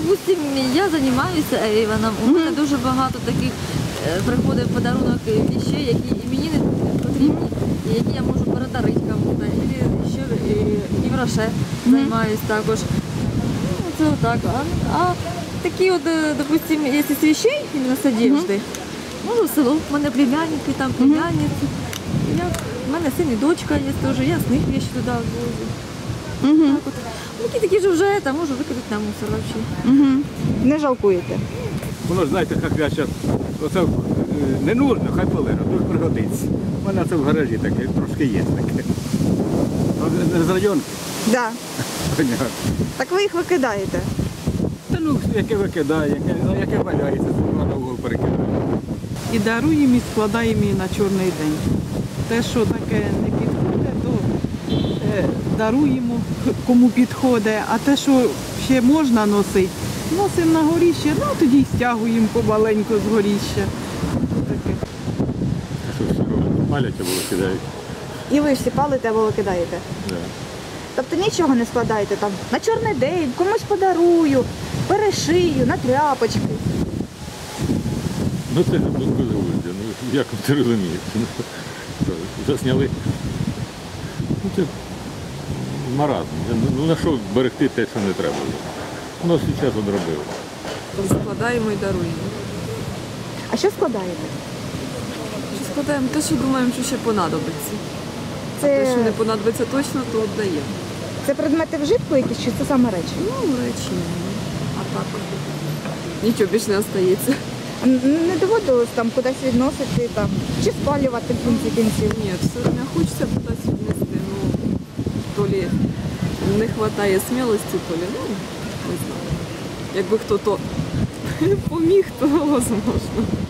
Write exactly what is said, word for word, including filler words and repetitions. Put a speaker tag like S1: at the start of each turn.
S1: допустим, я займаюся Ейвоном, у мене дуже багато таких е, приходить в подарунок вещей, які і мені не потрібні, і які я можу передарити кому-то. І ще і, і в Роше займаюся також. Ну, це отак. А, а такі от, е, допустим, якщо з вещей, іменно з одежди, можу в село, в мене племянники, там племянниці. Я, в мене син і дочка є теж, я з них вещи туди возю.
S2: Угу.
S1: Так от. Такі такі ж вже, там можу викидати на мусор взагалі.
S2: Угу. Не жалкуєте?
S3: Воно ж знаєте, як я зараз, оце е, не нужно, хай полежа, тут пригодиться. У мене це в гаражі таке, трошки є таке. А з районки?
S2: Да.
S3: Понятно.
S2: Так ви їх викидаєте?
S3: Та ну, яке викидає, яке, яке валяється, це на угол перекидає.
S4: І даруємо, і складаємо її на чорний день. Те, що таке не підходить, то е, даруємо, кому підходить, а те, що ще можна носити, носимо на горіще, ну тоді й стягуємо помаленьку з горіща. Таке.
S3: А що всі роблять? Палять або викидають.
S2: І ви всі палите або викидаєте?
S3: Да.
S2: Тобто нічого не складаєте там на чорний день, комусь подарую, перешию, на тряпочки.
S3: Ну це ну, безглуздя, ну як ви це розумієте? Ну, що, засняли. Ну це маразм. Ну на що берегти те, що не треба. Воно зараз одробило.
S5: Складаємо і даруємо.
S2: А що складаєте?
S5: Що складаємо те, що думаємо, що ще понадобиться. А те, що
S2: Це,
S5: не понадобиться точно, то віддаємо.
S2: це предмети вжитку якісь чи це саме речі?
S5: Ну, речі, а так нічого більше не остається.
S2: Н- Не доводилось там кудись відносити там, чи спалювати в кінці кінців?
S5: Ні, все одно хочеться кудись віднести. Ну, то лі не вистачає смілості, то лі, ну, не знаю. Якби хто то поміг, то можливо.